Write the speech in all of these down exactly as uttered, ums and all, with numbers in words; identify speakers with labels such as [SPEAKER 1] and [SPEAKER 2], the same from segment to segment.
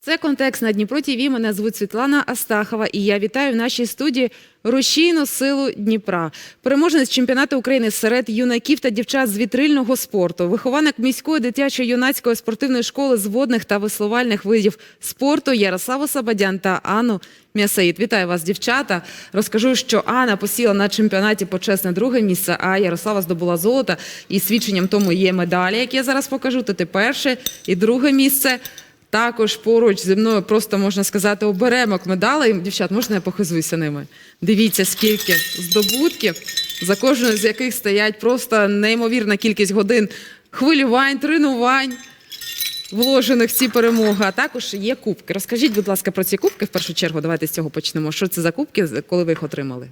[SPEAKER 1] Це «Контекст» на Дніпро ТІВІ. Мене звуть Світлана Астахова і я вітаю в нашій студії рушійну силу Дніпра. Переможець чемпіонату України серед юнаків та дівчат з вітрильного спорту, вихованок міської дитячо-юнацької спортивної школи з водних та веслувальних видів спорту Ярославу Сабадян та Анну М'ясаїд. Вітаю вас, дівчата. Розкажу, що Анна посіла на чемпіонаті почесне друге місце, а Ярослава здобула золото. І свідченням тому є медалі, які я зараз покажу. Тут і перше, і друге місце. Також поруч зі мною просто, можна сказати, оберемок медалей. Дівчат, можна я похизуюся ними? Дивіться, скільки здобутків, за кожною з яких стоять просто неймовірна кількість годин хвилювань, тренувань, вложених в ці перемоги. А також є кубки. Розкажіть, будь ласка, про ці кубки в першу чергу. Давайте з цього почнемо. Що це за кубки, коли ви їх отримали?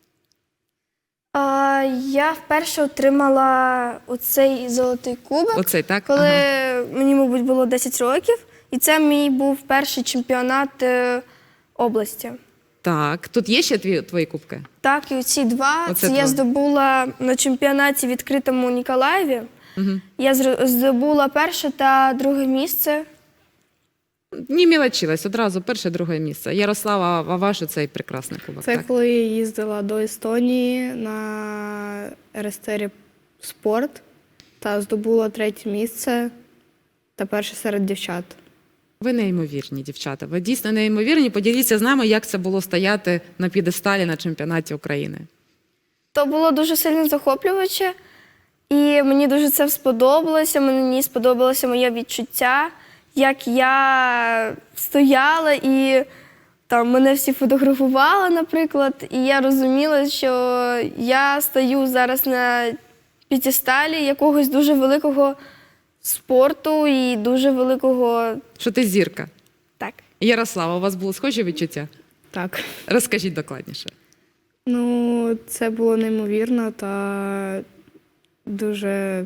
[SPEAKER 2] А, я вперше отримала оцей золотий кубок,
[SPEAKER 1] Оцей, так?
[SPEAKER 2] коли
[SPEAKER 1] Ага.
[SPEAKER 2] мені, мабуть, було десять років. І це мій був перший чемпіонат е, області.
[SPEAKER 1] Так, тут є ще твої, твої кубки?
[SPEAKER 2] Так, і оці два,
[SPEAKER 1] Оце
[SPEAKER 2] це я
[SPEAKER 1] два.
[SPEAKER 2] здобула на чемпіонаті відкритому у Ніколаєві.
[SPEAKER 1] Угу.
[SPEAKER 2] Я зр- здобула перше та друге місце.
[SPEAKER 1] Не мілочилась, одразу перше, друге місце. Ярослава, а ваш цей прекрасний кубок?
[SPEAKER 3] Це
[SPEAKER 1] так?
[SPEAKER 3] коли я їздила до Естонії на РСТРі спорт та здобула третє місце та перше серед дівчат.
[SPEAKER 1] Ви неймовірні, дівчата. Ви дійсно неймовірні. Поділіться з нами, як це було стояти на п'єдесталі на чемпіонаті України.
[SPEAKER 2] То було дуже сильно захоплююче, і мені дуже це сподобалося. Мені сподобалося моє відчуття, як я стояла і там мене всі фотографували, наприклад, і я розуміла, що я стою зараз на п'єдесталі якогось дуже великого спорту і дуже великого.
[SPEAKER 1] Що ти зірка.
[SPEAKER 2] Так.
[SPEAKER 1] Ярослава, у вас було схожі відчуття?
[SPEAKER 3] Так.
[SPEAKER 1] Розкажіть докладніше.
[SPEAKER 3] Ну, це було неймовірно та дуже.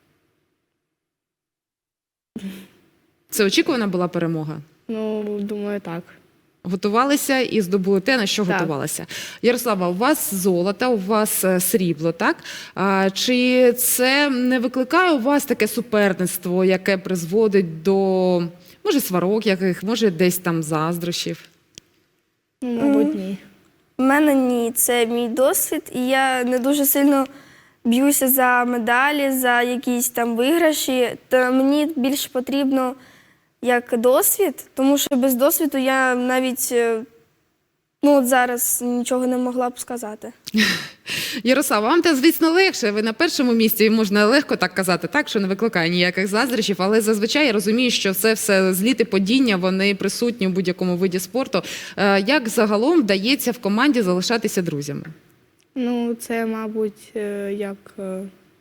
[SPEAKER 1] Це очікувана була перемога?
[SPEAKER 3] Ну, думаю, так.
[SPEAKER 1] Готувалися і здобули те, на що
[SPEAKER 3] Так.
[SPEAKER 1] готувалися. Ярослава, у вас золото, у вас е, срібло, так? А, чи це не викликає у вас таке суперництво, яке призводить до, може, сварок яких, може, десь там заздрощів?
[SPEAKER 3] Ну, мабуть, ні.
[SPEAKER 2] У мене ні, це мій досвід, і я не дуже сильно б'юся за медалі, за якісь там виграші. То мені більше потрібно як досвід, тому що без досвіду я навіть е, ну, от зараз нічого не могла б сказати.
[SPEAKER 1] Ярослава, вам те, звісно, легше. Ви на першому місці, можна легко так казати, так, що не викликає ніяких заздрощів, але зазвичай я розумію, що це все зліти падіння, вони присутні в будь-якому виді спорту. Е, Як загалом вдається в команді залишатися друзями?
[SPEAKER 3] Ну, це, мабуть, е, як. е,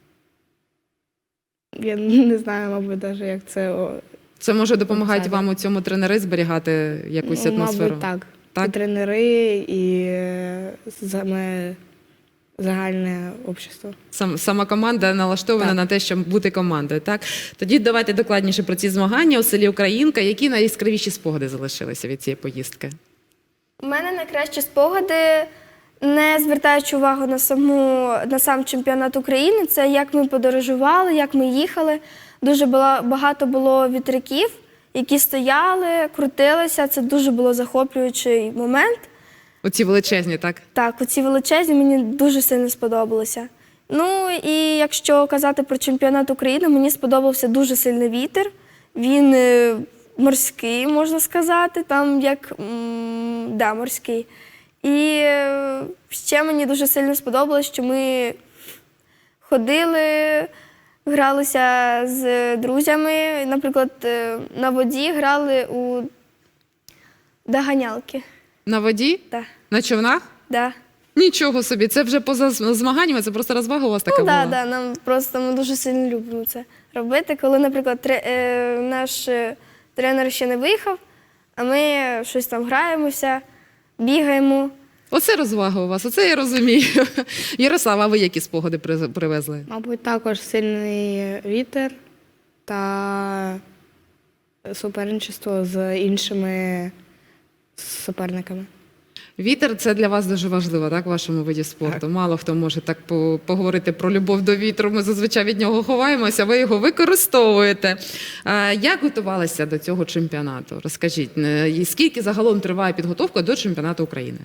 [SPEAKER 3] Я не знаю, мабуть, навіть як це. о,
[SPEAKER 1] Це може допомагати
[SPEAKER 3] Це,
[SPEAKER 1] вам у цьому тренери зберігати якусь
[SPEAKER 3] ну,
[SPEAKER 1] атмосферу?
[SPEAKER 3] Мабуть, так.
[SPEAKER 1] Так?
[SPEAKER 3] І тренери, і е, саме загальне общество.
[SPEAKER 1] Сам, сама команда налаштована
[SPEAKER 3] Так.
[SPEAKER 1] на те, щоб бути командою, так? Тоді давайте докладніше про ці змагання у селі Українка. Які найяскравіші спогади залишилися від цієї поїздки?
[SPEAKER 2] У мене найкращі спогади, не звертаючи увагу на, саму, на сам чемпіонат України, це як ми подорожували, як ми їхали. Дуже було, багато було вітряків, які стояли, крутилися. Це дуже було захоплюючий момент.
[SPEAKER 1] Оці величезні, так?
[SPEAKER 2] Так, оці величезні мені дуже сильно сподобалося. Ну і якщо казати про чемпіонат України, мені сподобався дуже сильний вітер. Він е, морський, можна сказати, там як м, да, морський. І е, ще мені дуже сильно сподобалось, що ми ходили, гралися з друзями. Наприклад, е, на воді грали у доганялки.
[SPEAKER 1] На воді?
[SPEAKER 2] Да,
[SPEAKER 1] На човнах?
[SPEAKER 2] да.
[SPEAKER 1] Нічого собі, це вже поза змаганнями, це просто розвага у вас така
[SPEAKER 2] Ну,
[SPEAKER 1] була?
[SPEAKER 2] так, да, да, нам просто ми дуже сильно любимо це робити. Коли, наприклад, тре, е, наш е, тренер ще не виїхав, а ми щось там граємося, бігаємо.
[SPEAKER 1] Оце розвага у вас, оце я розумію. Ярослава, а ви які спогади при- привезли?
[SPEAKER 3] Мабуть, також сильний вітер та суперничество з іншими суперниками.
[SPEAKER 1] Вітер – це для вас дуже важливо, так, в вашому виді спорту?
[SPEAKER 4] Так.
[SPEAKER 1] Мало хто може так по- поговорити про любов до вітру. Ми зазвичай від нього ховаємося, ви його використовуєте. Е, Як готувалися до цього чемпіонату? Розкажіть, е, і скільки загалом триває підготовка до чемпіонату України?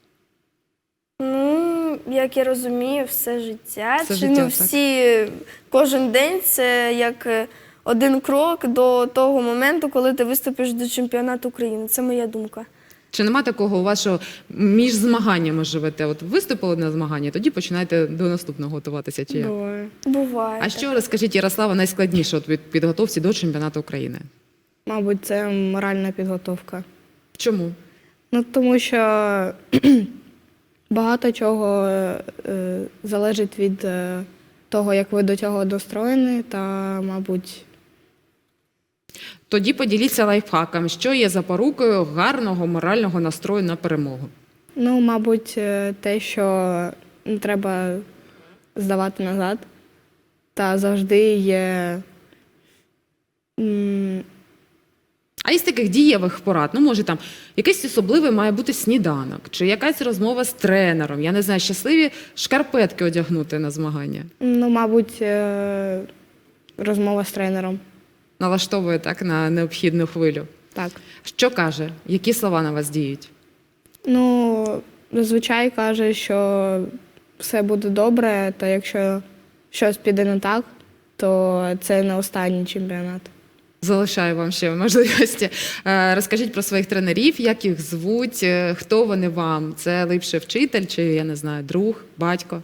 [SPEAKER 2] Ну, як я розумію, все життя.
[SPEAKER 1] Все
[SPEAKER 2] Чи,
[SPEAKER 1] життя,
[SPEAKER 2] ну,
[SPEAKER 1] так.
[SPEAKER 2] всі, кожен день це як е, один крок до того моменту, коли ти виступиш до чемпіонату України. Це моя думка.
[SPEAKER 1] Чи нема такого у вас, що між змаганнями живете? От виступили на змагання, тоді починаєте до наступного готуватися, чи як?
[SPEAKER 3] Буває.
[SPEAKER 2] Буває.
[SPEAKER 1] А що, розкажіть, Ярослава, найскладніше от від підготовці до чемпіонату України?
[SPEAKER 3] Мабуть, це моральна підготовка.
[SPEAKER 1] Чому?
[SPEAKER 3] Ну, тому що багато чого е, е, залежить від е, того, як ви до цього достроєні, та, мабуть,
[SPEAKER 1] Тоді поділіться лайфхаком, що є запорукою гарного морального настрою на перемогу.
[SPEAKER 3] ну, мабуть, е, те, що не треба здавати назад, та завжди є. м,
[SPEAKER 1] А із таких дієвих порад, ну може там якийсь особливий має бути сніданок, чи якась розмова з тренером, я не знаю, щасливі шкарпетки одягнути на змагання.
[SPEAKER 3] Ну, мабуть, е, розмова з тренером.
[SPEAKER 1] Налаштовує так на необхідну хвилю.
[SPEAKER 3] Так.
[SPEAKER 1] Що каже? Які слова на вас діють?
[SPEAKER 3] Ну, зазвичай каже, що все буде добре, та якщо щось піде не так, то це не останній чемпіонат.
[SPEAKER 1] Залишаю вам ще можливості. Е, Розкажіть про своїх тренерів, як їх звуть, е, хто вони вам? Це липше вчитель чи, я не знаю, друг, батько?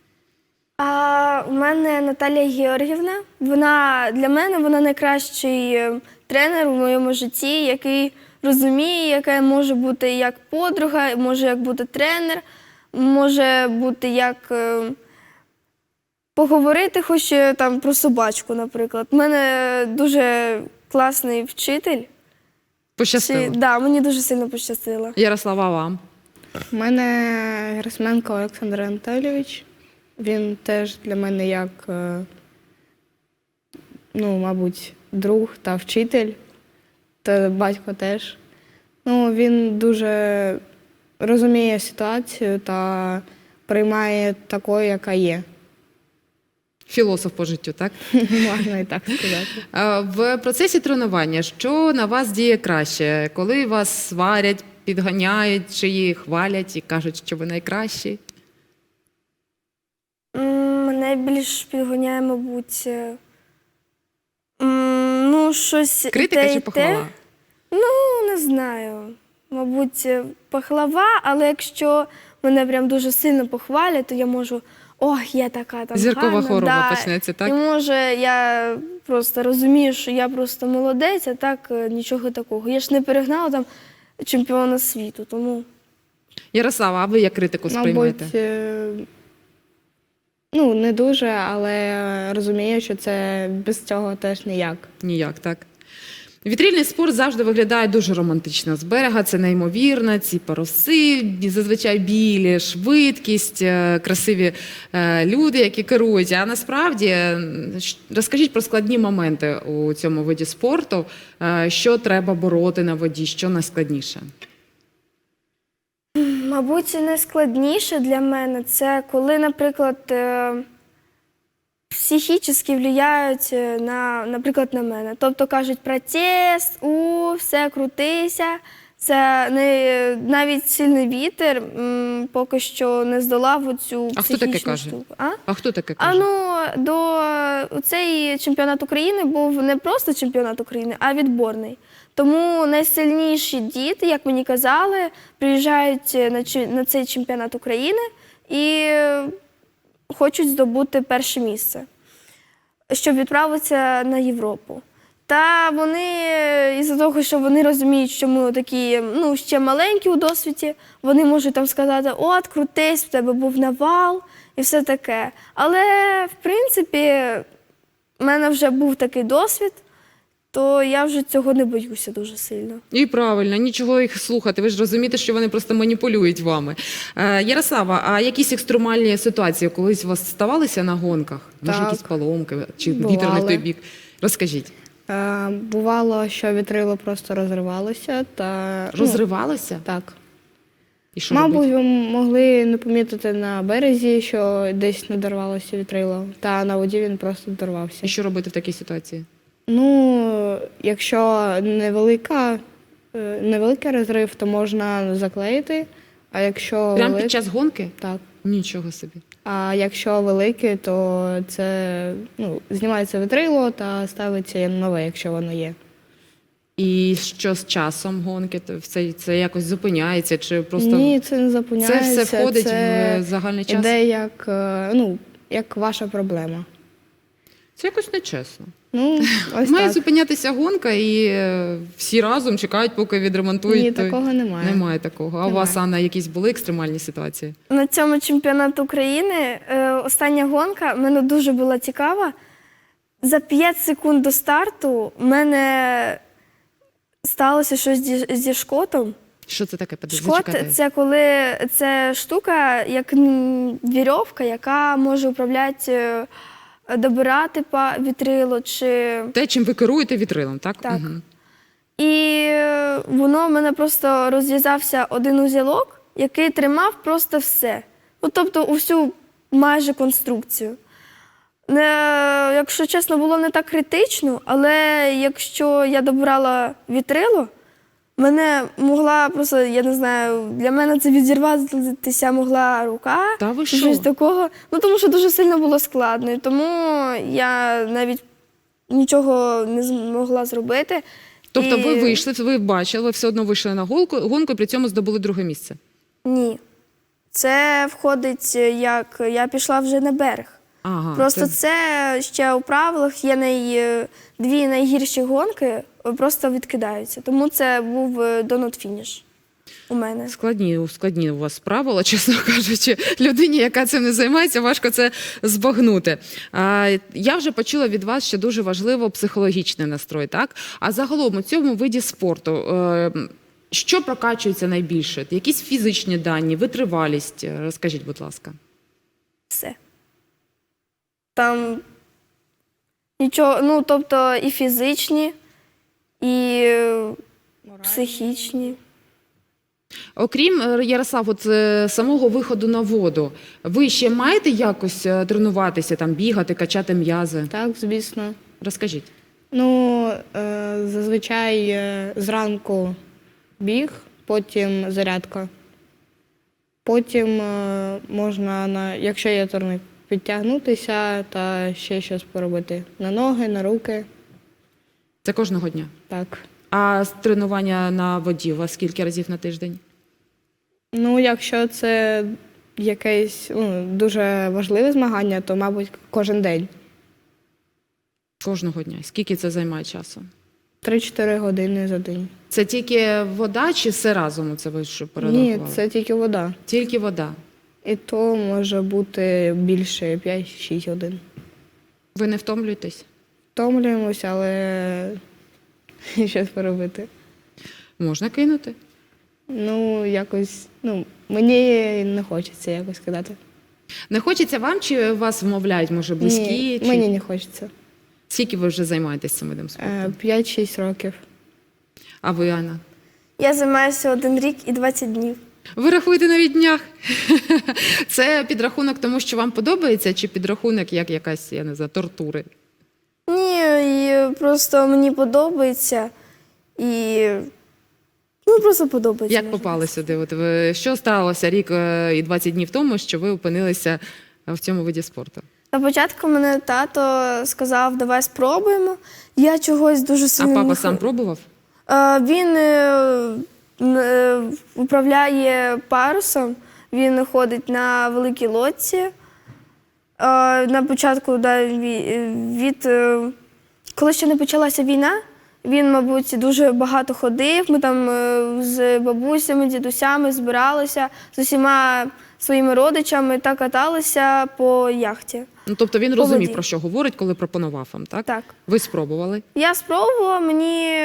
[SPEAKER 2] А у мене Наталія Георгівна. Вона для мене вона найкращий е, тренер у моєму житті, який розуміє, яка може бути як подруга, може як бути тренер, може бути як е, поговорити хоч е, там про собачку, наприклад. У мене дуже класний вчитель.
[SPEAKER 1] Пощастило.
[SPEAKER 2] Чи, да, мені дуже сильно пощастило.
[SPEAKER 1] Ярослава, вам?
[SPEAKER 3] У мене Герасменко Олександр Анатолійович. Він теж для мене як, е, ну, мабуть, друг та вчитель, та батько теж. Ну, він дуже розуміє ситуацію та приймає такою, яка є.
[SPEAKER 1] Філософ по життю, так?
[SPEAKER 3] Можна і так сказати.
[SPEAKER 1] Е, В процесі тренування, що на вас діє краще? Коли вас сварять, підганяють, чи їх хвалять і кажуть, що ви найкращі?
[SPEAKER 2] М, Мене більш підганяє, мабуть, е, м, ну, щось і
[SPEAKER 1] Критика
[SPEAKER 2] те,
[SPEAKER 1] чи
[SPEAKER 2] і те.
[SPEAKER 1] похвала?
[SPEAKER 2] Ну, не знаю. Мабуть, е, похвала, але якщо мене прям дуже сильно похвалять, то я можу, ох, я така там
[SPEAKER 1] Зіркова
[SPEAKER 2] гарна,
[SPEAKER 1] хвороба
[SPEAKER 2] да.
[SPEAKER 1] почнеться, так?
[SPEAKER 2] І може я просто розумію, що я просто молодець, а так е, нічого такого. Я ж не перегнала там чемпіона світу, тому...
[SPEAKER 1] Ярослава, а ви як критику сприймаєте?
[SPEAKER 3] Мабуть, е, ну, не дуже, але розумію, що це без цього теж ніяк.
[SPEAKER 1] Ніяк, так. Вітрильний спорт завжди виглядає дуже романтично. З берега це неймовірно, ці паруси, зазвичай білі, швидкість, е, красиві е, люди, які керують. А насправді, е, щ- розкажіть про складні моменти у цьому виді спорту, е, що треба бороти на воді, що найскладніше.
[SPEAKER 2] Мабуть, найскладніше для мене це коли, наприклад, е, психічно впливають е, на, наприклад, на мене. Тобто кажуть протест, у, все, крутися. Це не, навіть сильний вітер м, поки що не здолав оцю
[SPEAKER 1] А хто таке
[SPEAKER 2] психічну
[SPEAKER 1] каже?
[SPEAKER 2] штуку. А?
[SPEAKER 1] А хто таке
[SPEAKER 2] А
[SPEAKER 1] каже?
[SPEAKER 2] ну, до цей чемпіонат України був не просто чемпіонат України, а відборний. Тому найсильніші діти, як мені казали, приїжджають на, чи- на цей чемпіонат України і е, хочуть здобути перше місце, щоб відправитися на Європу. Та вони, е, із-за того, що вони розуміють, що ми такі, ну, ще маленькі у досвіді, вони можуть там сказати, от, крутись, в тебе був навал і все таке. Але, в принципі, в мене вже був такий досвід, то я вже цього не боюся дуже сильно.
[SPEAKER 1] І правильно, нічого їх слухати. Ви ж розумієте, що вони просто маніпулюють вами. Е, Ярослава, а якісь екстремальні ситуації колись у вас ставалися на гонках? Може,
[SPEAKER 3] Так.
[SPEAKER 1] якісь поломки чи
[SPEAKER 3] Бували.
[SPEAKER 1] вітер не в той бік? Розкажіть.
[SPEAKER 3] Е, бувало, що вітрило просто розривалося та ну,
[SPEAKER 1] Розривалося?
[SPEAKER 3] так.
[SPEAKER 1] І що
[SPEAKER 3] Мабуть,
[SPEAKER 1] робити?
[SPEAKER 3] ви могли не помітити на березі, що десь надорвалося вітрило, та на воді він просто дорвався.
[SPEAKER 1] І що робити в такій ситуації?
[SPEAKER 3] Ну, якщо невелика, е, невеликий розрив, то можна заклеїти, а якщо
[SPEAKER 1] Прямо
[SPEAKER 3] велик-
[SPEAKER 1] під час гонки?
[SPEAKER 3] так.
[SPEAKER 1] Нічого собі.
[SPEAKER 3] А якщо великий, то це ну, знімається вітрило та ставиться нове, якщо воно є.
[SPEAKER 1] І що з часом гонки? То Це, це якось зупиняється? Чи просто
[SPEAKER 3] Ні, це не
[SPEAKER 1] це
[SPEAKER 3] зупиняється.
[SPEAKER 1] все входить
[SPEAKER 3] це
[SPEAKER 1] в загальний час?
[SPEAKER 3] іде як, е, ну, як ваша проблема.
[SPEAKER 1] Це якось нечесно.
[SPEAKER 3] Ну, ось
[SPEAKER 1] Має
[SPEAKER 3] так.
[SPEAKER 1] зупинятися гонка, і е, всі разом чекають, поки відремонтують.
[SPEAKER 3] Ні,
[SPEAKER 1] той-
[SPEAKER 3] такого немає.
[SPEAKER 1] Немає такого. А у вас, Анна, якісь були екстремальні ситуації?
[SPEAKER 2] На цьому чемпіонаті України е, остання гонка мене дуже була цікава. За п'ять секунд до старту в мене сталося щось зі, зі шкотом.
[SPEAKER 1] Що це таке? Подожди,
[SPEAKER 2] Шкот
[SPEAKER 1] зачекайте.
[SPEAKER 2] це коли це штука, як м, вірьовка, яка може управляти, е, добирати па- вітрило чи.
[SPEAKER 1] Те, чим ви керуєте вітрилом, так?
[SPEAKER 2] Так.
[SPEAKER 1] Мгм.
[SPEAKER 2] І е, воно в мене просто розв'язався один узілок, який тримав просто все. Ну, тобто усю майже конструкцію. Не, якщо чесно, було не так критично, але якщо я добирала вітрило, мене могла просто, я не знаю, для мене це відірватися могла рука.
[SPEAKER 1] Та ви
[SPEAKER 2] чи
[SPEAKER 1] що?
[SPEAKER 2] щось такого. Ну, тому що дуже сильно було складно. І тому я навіть нічого не змогла зробити.
[SPEAKER 1] Тобто
[SPEAKER 2] І-
[SPEAKER 1] ви вийшли, ви бачили, ви все одно вийшли на гонку, гонку і при цьому здобули друге місце.
[SPEAKER 2] Ні. Це входить, як я пішла вже на берег.
[SPEAKER 1] Ага,
[SPEAKER 2] Просто це... ще у правилах є най... дві найгірші гонки, е, просто відкидаються. Тому це був донот-фініш у мене.
[SPEAKER 1] Складні, складні у вас правила, чесно кажучи. Людині, яка цим не займається, важко це збагнути. А, я вже почула від вас, що дуже важливо психологічний настрой, так? А загалом у цьому виді спорту, е, що прокачується найбільше? Якісь фізичні дані, витривалість? Розкажіть, будь ласка.
[SPEAKER 2] Все. Там нічого, ну, тобто і фізичні, і е, психічні.
[SPEAKER 1] Окрім, е, Ярослав, от е, самого виходу на воду, ви ще маєте якось е, тренуватися, там, бігати, качати м'язи?
[SPEAKER 3] Так, звісно.
[SPEAKER 1] Розкажіть.
[SPEAKER 3] Ну, е, зазвичай е, зранку біг, потім зарядка. Потім е, можна, на, якщо є турник, підтягнутися та ще щось поробити. На ноги, на руки.
[SPEAKER 1] Це кожного дня?
[SPEAKER 3] Так.
[SPEAKER 1] А з тренування на воді у вас скільки разів на тиждень?
[SPEAKER 3] Ну, якщо це якесь ну, дуже важливе змагання, то, мабуть, кожен день.
[SPEAKER 1] Кожного дня. Скільки це займає часу?
[SPEAKER 3] три-чотири години за день.
[SPEAKER 1] Це тільки вода чи все разом? Це ви що
[SPEAKER 3] Ні,
[SPEAKER 1] перерахували?
[SPEAKER 3] це тільки вода.
[SPEAKER 1] Тільки вода.
[SPEAKER 3] І то може бути більше п'ять-шість годин.
[SPEAKER 1] Ви не втомлюєтесь?
[SPEAKER 3] Втомлюємося, але щось поробити.
[SPEAKER 1] Можна кинути.
[SPEAKER 3] Ну, якось, ну, мені не хочеться якось кидати.
[SPEAKER 1] Не хочеться вам чи вас вмовляють, може, близькі?
[SPEAKER 3] Ні,
[SPEAKER 1] чи...
[SPEAKER 3] мені не хочеться.
[SPEAKER 1] Скільки ви вже займаєтесь цим видом спорту?
[SPEAKER 3] Е, п'ять-шість років.
[SPEAKER 1] А ви, Анна?
[SPEAKER 2] Я займаюся один рік і двадцять днів.
[SPEAKER 1] Ви рахуєте навіть днях. Це підрахунок тому, що вам подобається, чи підрахунок як якась, я не знаю, тортури?
[SPEAKER 2] Ні, і просто мені подобається. І ну, просто подобається.
[SPEAKER 1] Як
[SPEAKER 2] можна
[SPEAKER 1] попали сюди? От ви, що сталося рік е, і двадцять днів тому, що ви опинилися в цьому виді спорту?
[SPEAKER 2] На початку мене тато сказав, давай спробуємо. Я чогось дуже
[SPEAKER 1] А
[SPEAKER 2] сильно...
[SPEAKER 1] папа
[SPEAKER 2] не
[SPEAKER 1] сам
[SPEAKER 2] хо-
[SPEAKER 1] пробував?
[SPEAKER 2] Е, Він е, н- е, управляє парусом, він ходить на великій лодці. Е, На початку, да, ві- від, е, коли ще не почалася війна, він, мабуть, дуже багато ходив. Ми там е, з бабусями, дідусями збиралися, з усіма своїми родичами та каталися по яхті.
[SPEAKER 1] Ну, тобто він
[SPEAKER 2] По
[SPEAKER 1] розумів,
[SPEAKER 2] воді.
[SPEAKER 1] про що говорить, коли пропонував вам, так?
[SPEAKER 2] Так.
[SPEAKER 1] Ви спробували?
[SPEAKER 2] Я спробувала, мені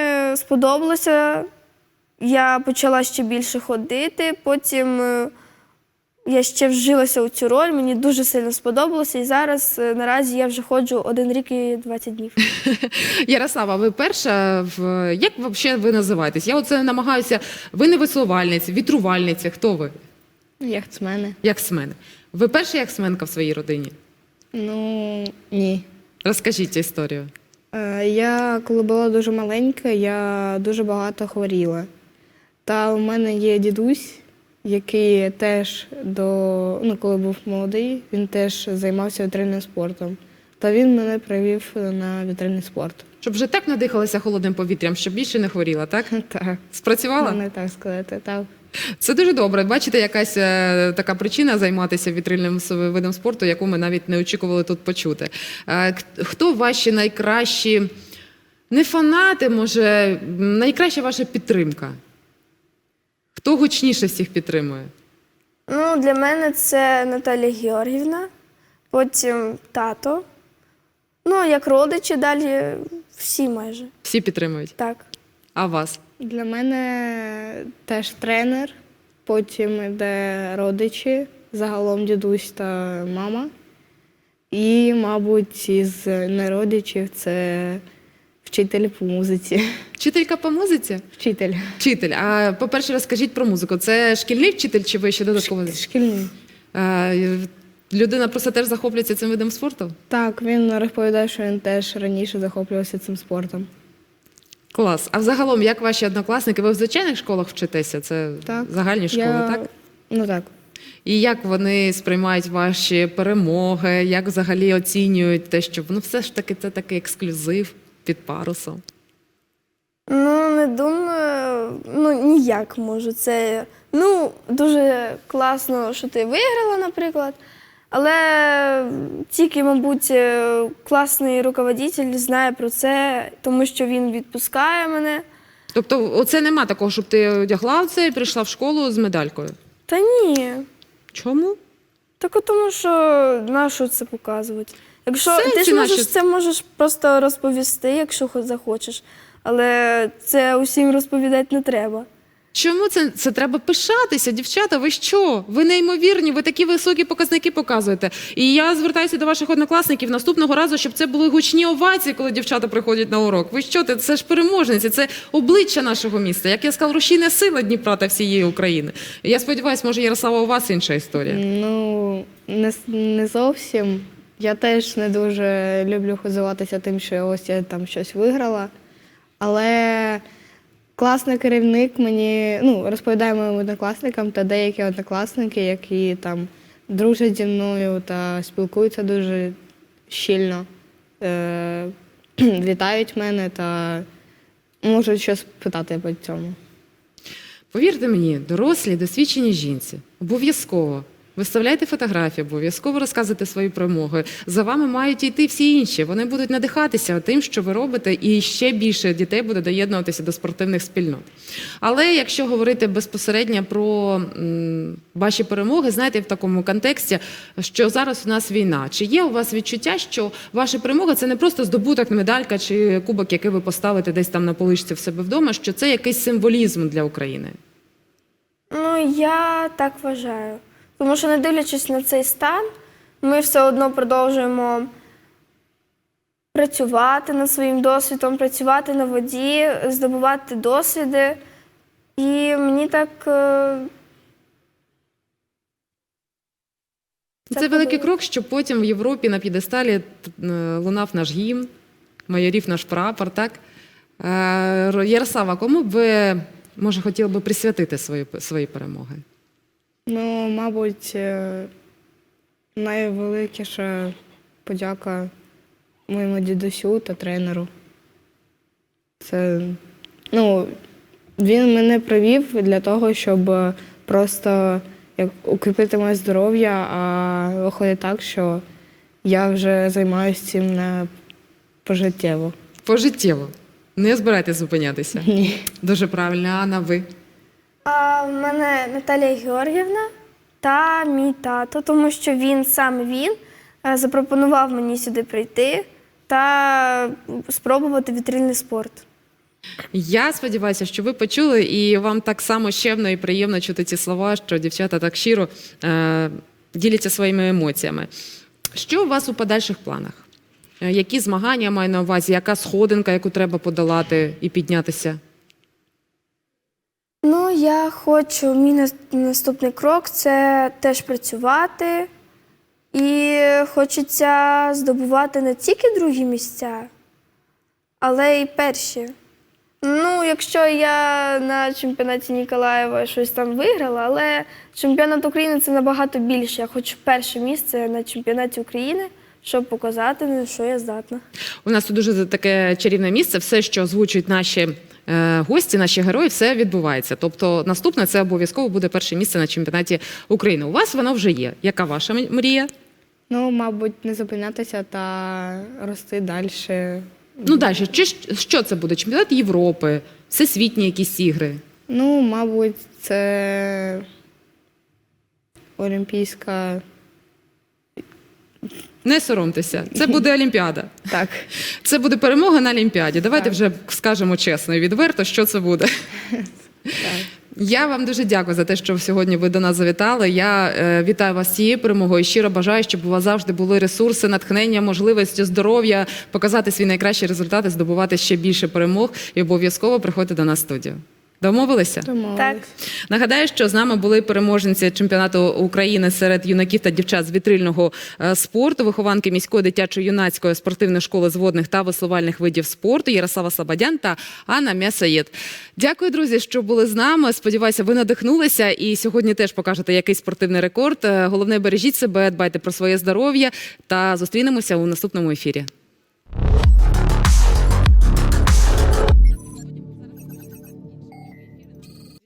[SPEAKER 2] сподобалося. Я почала ще більше ходити, потім е, я ще вжилася у цю роль, мені дуже сильно сподобалося. І зараз е, наразі я вже ходжу один рік і двадцять днів.
[SPEAKER 1] Ярослава, ви перша, в... як взагалі ви називаєтесь? Я оце намагаюся, ви не веслувальниця, вітрувальниця, хто ви?
[SPEAKER 3] Яхтсмени.
[SPEAKER 1] Яхтсмен. Ви перша яхтсменка в своїй родині?
[SPEAKER 3] Ну, ні.
[SPEAKER 1] Розкажіть цю історію.
[SPEAKER 3] Е, Я, коли була дуже маленька, я дуже багато хворіла. Та у мене є дідусь, який теж до, ну, коли був молодий, він теж займався вітрильним спортом. Та він мене привів на вітрильний спорт.
[SPEAKER 1] Щоб вже так надихалася холодним повітрям, щоб більше не хворіла, так?
[SPEAKER 3] Так,
[SPEAKER 1] Спрацювала?
[SPEAKER 3] можна так сказати, так.
[SPEAKER 1] Це дуже добре. Бачите, якась е, така причина займатися вітрильним с- видом спорту, яку ми навіть не очікували тут почути. Е, к- Хто ваші найкращі, не фанати, може, м, найкраща ваша підтримка? Хто гучніше всіх підтримує?
[SPEAKER 2] Ну, для мене це Наталія Георгіївна, потім тато. Ну, а як родичі, далі всі майже.
[SPEAKER 1] Всі підтримують.
[SPEAKER 2] Так.
[SPEAKER 1] А вас?
[SPEAKER 3] Для мене теж тренер, потім йде родичі, загалом дідусь та мама. І, мабуть, із неродичів це вчитель по музиці.
[SPEAKER 1] Вчителька по музиці?
[SPEAKER 3] Вчитель.
[SPEAKER 1] Вчитель. А по-перше, розкажіть про музику. Це шкільний вчитель чи ви ще додатково?
[SPEAKER 3] Шкільний.
[SPEAKER 1] Е, Людина просто теж захоплюється цим видом спорту?
[SPEAKER 3] Так, він розповідає, що він теж раніше захоплювався цим спортом.
[SPEAKER 1] Клас. А взагалом, як ваші однокласники? Ви в звичайних школах вчитеся? Це
[SPEAKER 3] Так.
[SPEAKER 1] загальні школи,
[SPEAKER 3] Я-
[SPEAKER 1] так?
[SPEAKER 3] Ну так.
[SPEAKER 1] І як вони сприймають ваші перемоги? Як взагалі оцінюють те, що ну все ж таки це такий ексклюзив під парусом?
[SPEAKER 2] Ну, не думаю, ну ніяк можу. Це ну, дуже класно, що ти виграла, наприклад. Але тільки, мабуть, е, класний руководитель знає про це, тому що він відпускає мене.
[SPEAKER 1] Тобто, оце нема такого, щоб ти одягла це і прийшла в школу з медалькою.
[SPEAKER 2] Та ні.
[SPEAKER 1] Чому?
[SPEAKER 2] Так от тому, що на що це показувати? Якщо
[SPEAKER 1] Сенсі
[SPEAKER 2] ти ж можеш
[SPEAKER 1] наші-
[SPEAKER 2] це можеш просто розповісти, якщо хо- захочеш. Але це усім розповідати не треба.
[SPEAKER 1] Чому це, це треба пишатися, дівчата? Ви що? Ви неймовірні, ви такі високі показники показуєте. І я звертаюся до ваших однокласників наступного разу, щоб це були гучні овації, коли дівчата приходять на урок. Ви що? Це ж переможниці, це обличчя нашого міста. Як я сказала, рушійна сила Дніпра та всієї України. Я сподіваюся, може, Ярослава, у вас інша історія.
[SPEAKER 3] Ну, не, с- не зовсім. Я теж не дуже люблю хизуватися тим, що ось я там щось виграла. Але класний керівник мені ну, розповідає моїм однокласникам та деякі однокласники, які там дружать зі мною та спілкуються дуже щільно, е- вітають мене та можуть щось питати по цьому.
[SPEAKER 1] Повірте мені, дорослі, досвідчені жінці, обов'язково виставляйте фотографії, обов'язково розказуйте свої перемоги. За вами мають йти всі інші. Вони будуть надихатися тим, що ви робите, і ще більше дітей буде доєднуватися до спортивних спільнот. Але якщо говорити безпосередньо про м, ваші перемоги, знаєте, в такому контексті, що зараз у нас війна. Чи є у вас відчуття, що ваша перемога – це не просто здобуток, медалька чи кубок, який ви поставите десь там на поличці в себе вдома, що це якийсь символізм для України?
[SPEAKER 2] Ну, я так вважаю. Тому що, не дивлячись на цей стан, ми все одно продовжуємо працювати над своїм досвідом, працювати на воді, здобувати досвіди. І мені так. е,
[SPEAKER 1] Це,
[SPEAKER 2] Це
[SPEAKER 1] великий
[SPEAKER 2] подобається.
[SPEAKER 1] крок, щоб потім в Європі на п'єдесталі е, лунав наш гімн, майорів наш прапор, так? Е, Ярослава, кому б ви, може, хотіли би присвятити свої, свої перемоги?
[SPEAKER 3] Ну, мабуть, е, найвеликіша подяка моєму дідусю та тренеру. Це, ну, він мене привів для того, щоб просто як, укріпити моє здоров'я, а виходить так, що я вже займаюся цим на пожиттєво.
[SPEAKER 1] Пожиттєво. Не збирайтесь зупинятися.
[SPEAKER 3] Ні.
[SPEAKER 1] Дуже правильно. Анна, ви?
[SPEAKER 2] А в мене Наталія Георгіївна та мій тато, тому що він саме він е, запропонував мені сюди прийти та спробувати вітрильний спорт.
[SPEAKER 1] Я сподіваюся, що ви почули, і вам так само щемно і приємно чути ці слова, що дівчата так щиро е, діляться своїми емоціями. Що у вас у подальших планах? Е, Які змагання маю на увазі? Яка сходинка, яку треба подолати і піднятися?
[SPEAKER 2] Ну, я хочу, мій нас- наступний крок це теж працювати. І хочеться здобувати не тільки другі місця, але й перші. Ну, якщо я на чемпіонаті Ніколаєва щось там виграла, але чемпіонат України це набагато більше. Я хочу перше місце на чемпіонаті України, щоб показати, на що я здатна.
[SPEAKER 1] У нас тут дуже таке чарівне місце. Все, що озвучують наші е, гості, наші герої, все відбувається. Тобто наступне це обов'язково буде перше місце на чемпіонаті України. У вас воно вже є. Яка ваша м- мрія?
[SPEAKER 3] Ну, мабуть, не зупинятися та рости далі.
[SPEAKER 1] Ну далі, чи ж- що це буде? Чемпіонат Європи, всесвітні якісь ігри?
[SPEAKER 3] Ну, мабуть, це олімпійська.
[SPEAKER 1] Не соромтеся, це буде Олімпіада.
[SPEAKER 3] Так.
[SPEAKER 1] Це буде перемога на Олімпіаді. Давайте
[SPEAKER 3] Так.
[SPEAKER 1] вже скажемо чесно і відверто, що це буде.
[SPEAKER 3] Так.
[SPEAKER 1] Я вам дуже дякую за те, що сьогодні ви до нас завітали. Я е, вітаю вас з цією перемогою і щиро бажаю, щоб у вас завжди були ресурси, натхнення, можливості, здоров'я, показати свій найкращий результат і здобувати ще більше перемог. І обов'язково приходьте до нас в студію. Домовилися?
[SPEAKER 3] Домовились.
[SPEAKER 2] Так.
[SPEAKER 1] Нагадаю, що з нами були переможниці чемпіонату України серед юнаків та дівчат з вітрильного е, спорту, вихованки міської дитячо-юнацької спортивної школи з водних та веслувальних видів спорту Ярослава Слободян та Анна Мясаєд. Дякую, друзі, що були з нами. Сподіваюся, ви надихнулися і сьогодні теж покажете якийсь спортивний рекорд. Е, Головне, бережіть себе, дбайте про своє здоров'я та зустрінемося у наступному ефірі.